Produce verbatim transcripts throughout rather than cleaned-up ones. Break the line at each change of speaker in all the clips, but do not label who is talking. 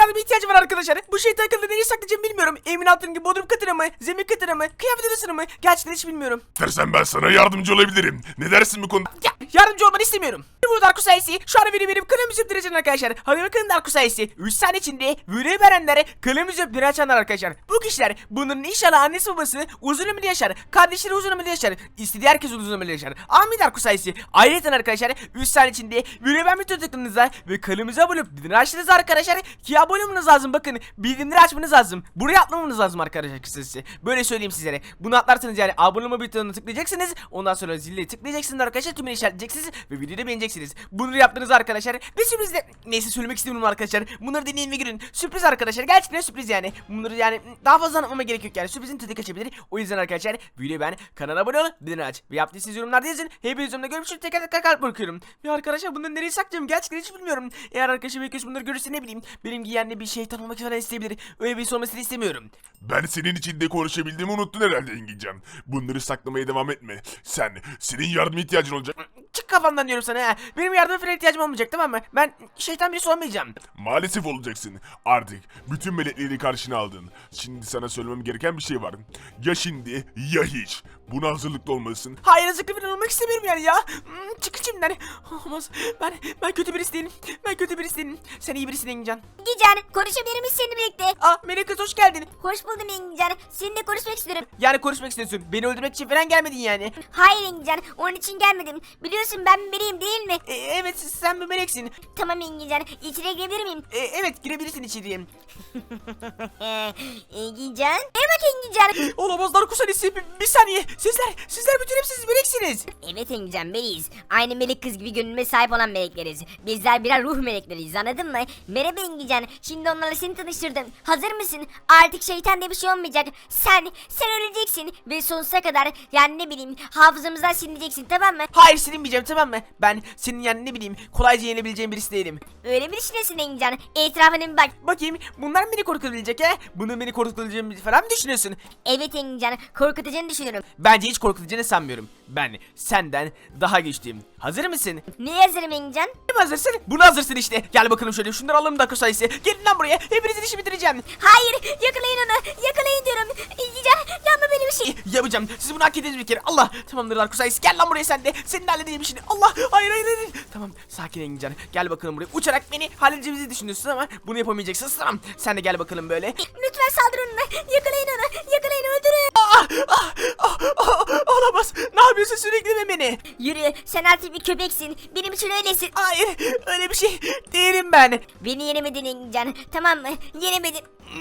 yardıma ihtiyacım var arkadaşlar. Bu şeytan akıllı neyi saklayacağım bilmiyorum. Evin altının gibi bodrum katına mı? Zemin katına mı? Kıyafet odasına mı? Gerçekten hiç bilmiyorum.
İstersen ben sana yardımcı olabilirim. Ne dersin bu konuda?
Ya, yardımcı olmanı istemiyorum. Bu Darko sayesi şu an benim benim kılımızı öptüreceğim arkadaşlar. Hadi bakın Darko sayesi üç saniye içinde video verenlere kılımızı öptüre açanlar arkadaşlar. Bu kişiler bunların inşallah annesi babası uzun ömürlü yaşar. Kardeşleri uzun ömürlü yaşar. İstediği herkes uzun ömürlü yaşar. Amin Darko sayesi. Ayrıca arkadaşlar üç saniye içinde video beğenme tıkladığınızda ve kanalımıza abone olup bildirimleri açtığınızda arkadaşlar ki abone olmanız lazım, bakın bildirimleri açmanız lazım. Buraya atlamanız lazım arkadaşlar kısacası. Böyle söyleyeyim sizlere. Bunu atlarsanız yani abone olma butonuna tıklayacaksınız. Ondan sonra zille tıklayacaksınız arkadaşlar. Tümünü işaretleyeceksiniz ve videoyu da beğeneceksiniz. Bunu yaptığınız arkadaşlar ve sürpriz de neyse söylemek istemiyorum arkadaşlar. Bunları deneyin ve görün. Sürpriz arkadaşlar. Gerçekten sürpriz yani. Bunları yani daha fazla anlatmama gerek yok yani. Sürprizin tadı kaçabilir. O yüzden arkadaşlar videoyu beğen, kanala abone ol, bildirimleri aç ve yaptıysanız yorumlarda yazın. Hepiniz yorumda görmüşsünüz. Tekrar tekrar kalp bırakıyorum. Ve arkadaşlar bunları nereye saklayacağım gerçekten hiç bilmiyorum. Eğer arkadaşım ilk bunları görürse ne bileyim benim giyenli bir şeytan olmak falan isteyebilir. Öyle bir şey olmasını istemiyorum.
Ben senin için de konuşabildiğimi unuttun herhalde Engincan. Bunları saklamaya devam etme. Sen, senin yardıma ihtiyacın olacak.
Çık kafamdan diyorum sana ha. Benim yardıma falan ihtiyacım olmayacak, tamam mı? Ben şeytan birisi olmayacağım.
Maalesef olacaksın. Artık bütün melekleri karşına aldın. Şimdi sana söylemem gereken bir şey var. Ya şimdi ya hiç. Buna hazırlıklı olmalısın.
Hayır, hazırlıklı falan olmak istemiyorum yani ya. Hmm, çık içimden. Olmaz. Ben ben kötü birisi değilim. Ben kötü birisi değilim. Sen iyi birisin Engincan.
Engincan, konuşabilir miyiz seninle birlikte?
Aa, Melek kız hoş geldin.
Hoş buldum Engincan. Seninle konuşmak istiyorum.
Yani konuşmak istiyorsun. Beni öldürmek için falan gelmedin yani.
Hayır Engincan, onun için gelmedim. Biliyorsun ben bir meleğim değil mi?
E, evet, sen bir meleksin.
Tamam Engincan, içeri girebilir miyim?
E, evet, girebilirsin içeriye.
Engincan. Ne bak Engincan?
Olamaz Darko Salisi. Bir, bir saniye. Sizler, sizler bütün hepsiniz meleksiniz.
Evet Engincan, meleğiz. Aynı melek kız gibi gönlüme sahip olan melekleriz. Bizler birer ruh melekleriyiz, anladın mı? Merhaba Engincan, şimdi onlarla seni tanıştırdım. Hazır mısın? Artık şeytan diye bir şey olmayacak. Sen, sen öleceksin ve sonsuza kadar yani ne bileyim hafızamızdan silineceksin, tamam mı?
Hayır, silinmeyeceğim, tamam mı? Ben senin yani ne bileyim kolayca yenebileceğim birisi değilim.
Öyle bir düşünüyorsun Engincan. Etrafına bir bak.
Bakayım, bunlar mı beni korkutabilecek he? Bunu beni korkutabileceğimi falan mı düşünüyorsun?
Evet Engincan, korkutacağını düşünüyorum.
Bence hiç korkutacağını sanmıyorum. Ben senden daha güçlüyüm. Hazır mısın?
Neye hazırım Engincan?
Kim hazırsın? Bunu hazırsın işte. Gel bakalım şöyle, şunları alalım Darko Sayısı. Gelin lan buraya. Hepinizin işi bitireceğim.
Hayır, yakalayın onu. Yakalayın diyorum. Engincan, yapma böyle bir şey.
Yapacağım. Siz bunu hak ediniz bir kere. Allah. Tamamdır Darko Sayısı. Gel lan buraya sen de. Senin de halledeceğim işini. Allah. Hayır hayır hayır. Tamam. Sakin Engincan. Gel bakalım buraya. Uçarak beni halledeceğimizi düşünüyorsun ama bunu yapamayacaksın. Tamam. Sen de gel bakalım böyle.
Lütfen saldır onunla. Yakalayın onu. Yakalayın, öldürün.
Ah, ah, ah, ah, olamaz. Ne yapıyorsun, sürekli mi beni?
Yürü, sen artık bir köpeksin. Benim için öylesin.
Hayır. Öyle bir şey değilim ben.
Beni yenemedin Engincan. Tamam mı? Yenemedin.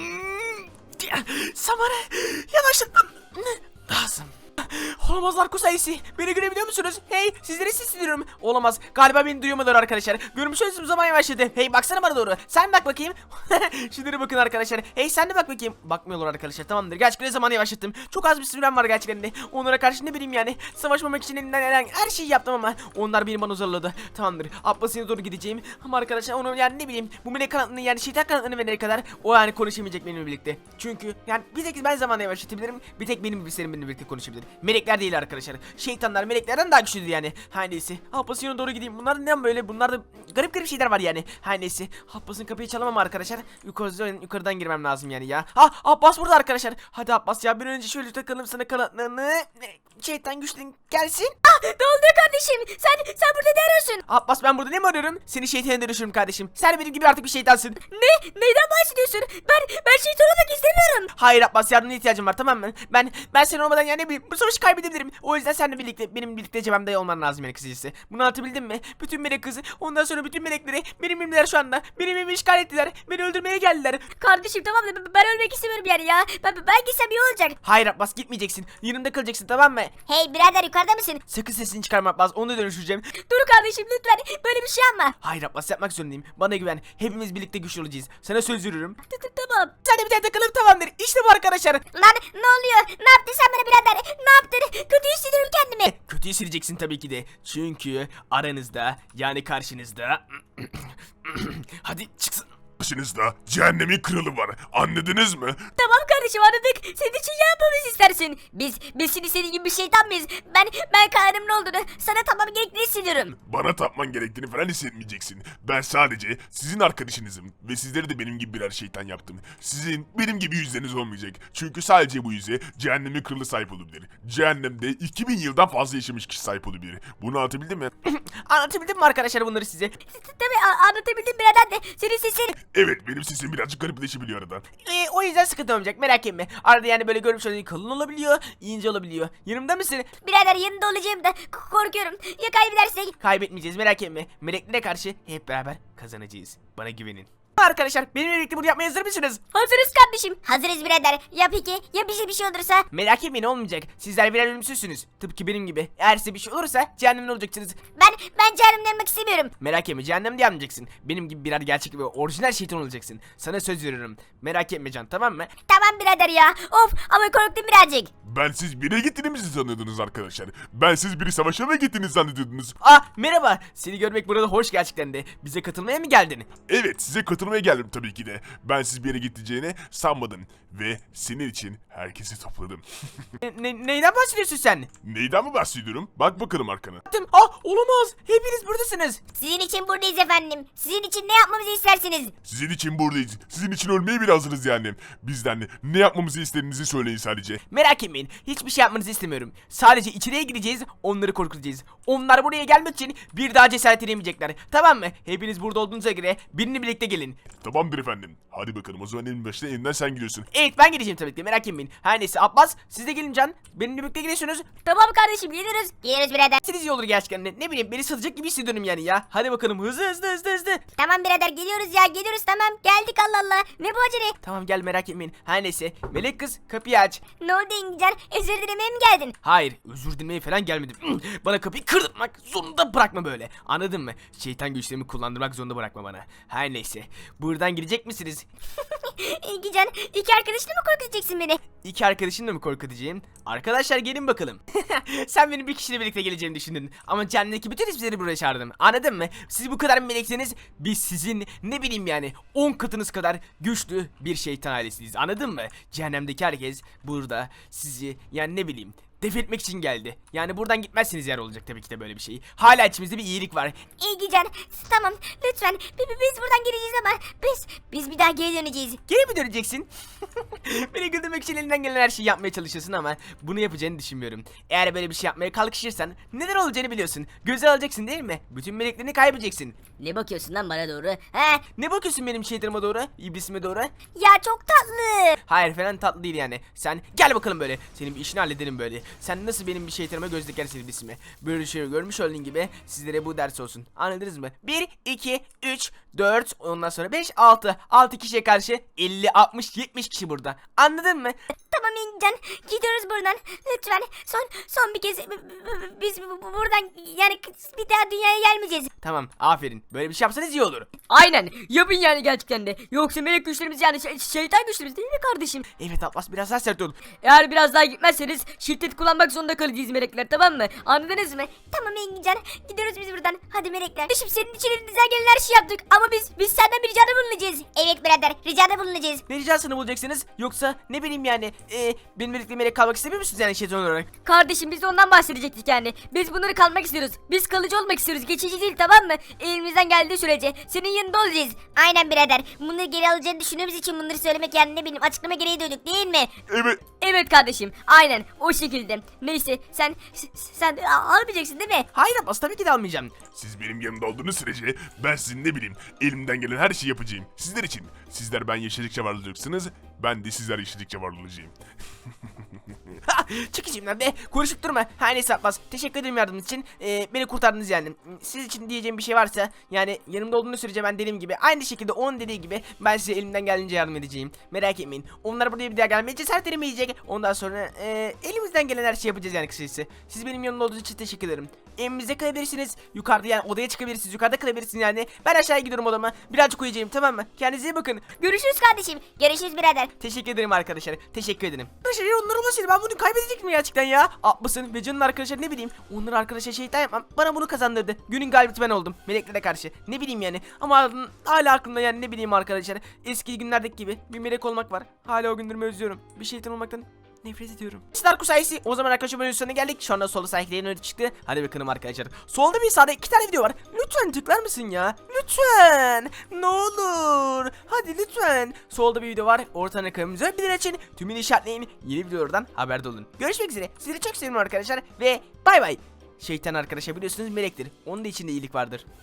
Samanı yavaşlatmam lazım. Olamaz Darko Sayısı. Beni görebiliyor musunuz? Hey, sizlere sesleniyorum. Olamaz. Galiba beni duyamadılar arkadaşlar. Görmüşsünüz, zaman yavaşladı. Hey, baksana bana doğru. Sen bak bakayım. Şunlara bakın arkadaşlar. Hey, sen de bak bakayım. Bakmıyorlar arkadaşlar. Tamamdır. Gerçekten zaman yavaşlattım. Çok az bir sürem var gerçekten de. Onlara karşı ne bileyim yani. Savaşmamak için elimden gelen her şeyi yaptım ama onlar beni bana zorladı. Tamamdır. Abbas'ına doğru gideceğim. Ama arkadaşlar onu yani ne bileyim. Bu melek kanatını yani şeytan kanatını verene kadar o yani konuşamayacak benimle birlikte. Çünkü yani bir tek ben zamanla yavaşlatabilirim. Bir tek benim bilgisayarım benimle birlikte konuşabilir. Melekler değil arkadaşlar. Şeytanlar meleklerden daha güçlüdür yani. Her neyse. Abbas'ın doğru gideyim. Bunlar neden böyle? Bunlarda garip garip şeyler var yani. Her neyse. Abbas'ın kapıyı çalamam arkadaşlar. Yukarıdan, yukarıdan girmem lazım yani ya. Ha, Abbas burada arkadaşlar. Hadi Abbas ya, bir önce şöyle takalım sana kanatlarını. Şeytan güçlün gelsin.
Ah, ne oldu kardeşim? Sen sen burada ne arıyorsun?
Abbas, ben burada ne mi arıyorum? Seni şeytana dönüşürüm kardeşim. Sen benim gibi artık bir şeytansın.
Ne? Neyden bahsediyorsun? Ben ben şeytan olmak istemiyorum.
Hayır Abbas, yardımına ihtiyacım var, tamam mı? Ben ben sen olmadan yani ne bileyim bu savaşı kaybedebilirim. O yüzden seninle birlikte benim birlikte cebimde olman lazım melek kızıcısı. Bunu anlatabildim mi? Bütün melek kızı, ondan sonra bütün melekleri benim elimdeler şu anda. Benim evimi işgal ettiler. Beni öldürmeye geldiler.
Kardeşim tamam da ben- ben ölmek istemiyorum yani ya. Ben, ben gitsem iyi olacak.
Hayır Abbas, gitmeyeceksin. Yanımda kalacaksın, tamam mı?
Hey birader, yukarıda mısın?
Sakın sesini çıkarma Abbas. Onu da dönüştüreceğim.
Dur kardeşim lütfen. Böyle bir şey yapma.
Hayır Abbas, yapmak zorundayım. Bana güven. Hepimiz birlikte güçlü olacağız. Sana söz veriyorum.
T- t- Tamam.
Sen de bir tane takalım, tamamdır. İşte bu arkadaşlar.
Lan ne oluyor? Ne yaptın sen bana birader? Ne yaptın? Kötü hissediyorum kendimi.
Kötü hissedeceksin tabii ki de. Çünkü aranızda yani karşınızda hadi çıksın.
Başınızda cehennemin kralı var. Anladınız mı?
Tamam kardeşim anladık. Senin için ne yapmamızı istersin? Biz, biz şimdi senin gibi bir şeytan mıyız? Ben, ben Kaan'ımın olduğunu sana tamam gerektiğini hissediyorum.
Bana tapman gerektiğini falan hissetmeyeceksin. Ben sadece sizin arkadaşınızım ve sizleri de benim gibi birer şeytan yaptım. Sizin benim gibi yüzleriniz olmayacak. Çünkü sadece bu yüze cehennemin kralı sahip olabilir. Cehennemde iki bin yıldan fazla yaşamış kişi sahip olabilir. Bunu anlatabildim mi?
Anlatabildim mi arkadaşlar bunları size?
Tabii a- anlatabildim birader de senin sesin.
Evet, benim sesim birazcık garipleşebiliyor arada.
Ee, o yüzden sıkıntı olmayacak, merak etme. Arada yani böyle görmüş olduğun kalın olabiliyor, ince olabiliyor. Yanımda mısın?
Birader yanında olacağım da k- korkuyorum. Ya kaybedersek?
Kaybetmeyeceğiz, merak etme. Meleklere karşı hep beraber kazanacağız. Bana güvenin. Arkadaşlar benimle birlikte bunu yapmaya hazır mısınız?
Hazırız kardeşim. Hazırız birader. Ya peki ya bize bir şey olursa?
Merak etmeyin, olmayacak. Sizler birer ölümsüzsünüz. Tıpkı benim gibi. Eğer size bir şey olursa cehennemde olacaksınız.
Ben ben cehennemden yanmak istemiyorum.
Merak etme, cehennemde yanmayacaksın. Benim gibi birer gerçek ve orijinal şeytan olacaksın. Sana söz veriyorum. Merak etme Can, tamam mı?
Tamam birader ya. Of ama korktum birazcık.
Ben siz bire gittiğinizi sanıyordunuz arkadaşlar. Ben siz biri savaşa mı gittiğinizi zannediyordunuz.
Ah merhaba. Seni görmek burada hoş gerçekten de. Bize katılmaya mı geldin?
Evet, size katılmaya geldim tabii ki de. Ben siz bir yere gideceğini sanmadım. Ve senin için herkesi topladım.
Ne, ne- neyden bahsediyorsun sen?
Neyden mi bahsediyorum? Bak bakalım arkana.
Baktım. Ah olamaz. Hepiniz buradasınız.
Sizin için buradayız efendim. Sizin için ne yapmamızı istersiniz?
Sizin için buradayız. Sizin için ölmeye bile hazırız yani. Bizden ne yapmamızı istediğinizi söyleyin sadece.
Merak etmeyin. Hiçbir şey yapmanızı istemiyorum. Sadece içeriye gireceğiz. Onları korkutacağız. Onlar buraya gelmek için bir daha cesaret edemeyecekler. Tamam mı? Hepiniz burada olduğunuza göre birini birlikte gelin.
Tamamdır efendim. Hadi bakalım, o zaman en başta elinden sen gidiyorsun.
Evet ben geleceğim tabii ki. Merak etmeyin. Her neyse Abbas siz de gelin Can. Benimle birlikte geliyorsunuz.
Tamam kardeşim geliyoruz. Geliyoruz birader.
Siz iyi olur gerçekten de. Ne bileyim beni satacak gibi hissediyorum yani ya. Hadi bakalım hızlı hızlı hızlı hızlı.
Tamam birader geliyoruz ya geliyoruz tamam. Geldik Allah Allah. Ne bu acele?
Tamam gel, merak etmeyin. Her neyse. Melek kız kapıyı aç.
Ne oldu İngilizce? Özür dilemeye mi geldin?
Hayır, özür dilemeye falan gelmedim. Bana kapıyı kırdırmak zorunda bırakma böyle. Anladın mı? Şeytan güçlerimi kullandırmak zorunda bırakma bana. Her neyse. Buradan girecek misiniz?
İngilizce iki arkadaşını mı korkutacaksın beni?
İki arkadaşınla mı korkutacağım? Arkadaşlar gelin bakalım. Sen benim bir kişiyle birlikte geleceğimi düşündün. Ama cehennemdeki bütün hepsini buraya çağırdım. Anladın mı? Siz bu kadar melekseniz biz sizin ne bileyim yani on katınız kadar güçlü bir şeytan ailesiyiz. Anladın mı? Cehennemdeki herkes burada sizi yani ne bileyim def etmek için geldi. Yani buradan gitmezsiniz yer olacak tabii ki de böyle bir şey. Hala içimizde bir iyilik var.
İngilizce tamam lütfen bi- bi- biz buradan geleceğiz ama biz biz bir daha geri döneceğiz.
Geri mi döneceksin? Beni güldürmek için elinden gelen her şeyi yapmaya çalışıyorsun ama bunu yapacağını düşünmüyorum. Eğer böyle bir şey yapmaya kalkışırsan neler olacağını biliyorsun. Göze alacaksın değil mi? Bütün meleklerini kaybedeceksin.
Ne bakıyorsun lan bana doğru? He?
Ne bakıyorsun benim şeytanıma doğru? İblisime doğru?
Ya çok tatlı.
Hayır falan tatlı değil yani. Sen gel bakalım böyle. Senin bir işini halledelim böyle. Sen nasıl benim bir şeytanıma göz dikersin iblisime. Böyle şey görmüş olduğun gibi sizlere bu ders olsun. Anladınız mı? bir, iki, üç, dört, ondan sonra beş, altı. altı kişiye karşı elli, altmış, yetmiş kişi burada. Anladın mı?
Tamam İngilizce gidiyoruz buradan. Lütfen son son bir kez b- b- biz bu- bu- buradan yani bir daha dünyaya gelmeyeceğiz.
Tamam aferin. Böyle bir şey yapsanız iyi olur.
Aynen yapın yani gerçekten de. Yoksa melek güçlerimiz yani şey- şeytan güçlerimiz değil mi kardeşim?
Evet Abbas biraz daha sert ol.
Eğer biraz daha gitmezseniz şiddet kullanmak zorunda kalacağız melekler, tamam mı? Anladınız mı?
Tamam İngilizce gidiyoruz biz buradan. Hadi melekler. Şimdi senin için elimizden gelen her şeyi yaptık ama biz biz senden bir ricada bulunacağız. Evet birader ricada bulunacağız.
Ne ricasını bulacaksınız? Yoksa ne bileyim yani e, benim birlikte melek kalmak istemiyor musunuz yani şeytan olarak?
Kardeşim biz de ondan bahsedecektik yani. Biz bunları kalmak istiyoruz. Biz kalıcı olmak istiyoruz. Geçici değil, tamam mı? Elimizden geldiği sürece senin yanında olacağız.
Aynen birader. Bunları geri alacağını düşündüğümüz için bunları söylemek yani ne bileyim açıklama gereği duyduk değil mi?
Evet.
Evet kardeşim. Aynen o şekilde. Neyse sen s- sen a- almayacaksın değil mi?
Hayır Abbas tabii ki de almayacağım.
Siz benim yanımda olduğunuz sürece ben sizin ne bileyim elimden gelen her şeyi yapacağım. Sizler için. Sizler ben yaşadıkça var olacaksınız. Ben de sizler yaşadıkça var olacağım.
Ha, çık içimden be. Konuşup durma. Her neyse Abbas. Teşekkür ederim yardımınız için. Ee, beni kurtardınız yani. Siz için diyeceğim bir şey varsa yani yanımda olduğunuz sürece ben dediğim gibi aynı şekilde onun dediği gibi ben size elimden geldiğince yardım edeceğim. Merak etmeyin. Onlar buraya bir daha gelmeye cesaret edemeyecek. Ondan sonra e, elimizden gelen her şeyi yapacağız yani kısacası. Siz benim yanımda olduğunuz için teşekkür ederim. evimizde kalabilirsiniz. Yukarıda yani odaya çıkabilirsiniz. Yukarıda kalabilirsiniz yani. Ben aşağıya gidiyorum odama. Birazcık uyuyacağım, tamam mı? Kendinize iyi bakın.
Görüşürüz kardeşim. Görüşürüz birader.
Teşekkür ederim arkadaşlar. Teşekkür ederim. Arkadaşlar ya onlar olmasaydı ben bunu kaybedecektim gerçekten ya. Atmasın ve canın arkadaşlar ne bileyim. Onları arkadaşlar şeytan yapmam. Bana bunu kazandırdı. Günün galibiyeti ben oldum. Meleklere karşı. Ne bileyim yani. Ama hala aklımda yani ne bileyim arkadaşlar. Eski günlerdeki gibi bir melek olmak var. Hala o günlerimi özlüyorum. Bir şeytan olmaktan nefret ediyorum. Star sayısı. O zaman arkadaşlar bölümün sonuna geldik. Şu anda solda sahiplerin önü çıktı. Hadi bakalım arkadaşlar. Solda bir sağda iki tane video var. Lütfen tıklar mısın ya? Lütfen. Ne olur. Hadi lütfen. Solda bir video var. Ortadan kanalımıza bir açın. Tümünü işaretleyin. Yeni videolardan haberdar olun. Görüşmek üzere. Sizleri çok seviyorum arkadaşlar. Ve bay bay. Şeytan arkadaşlar biliyorsunuz melektir. Onun da içinde iyilik vardır.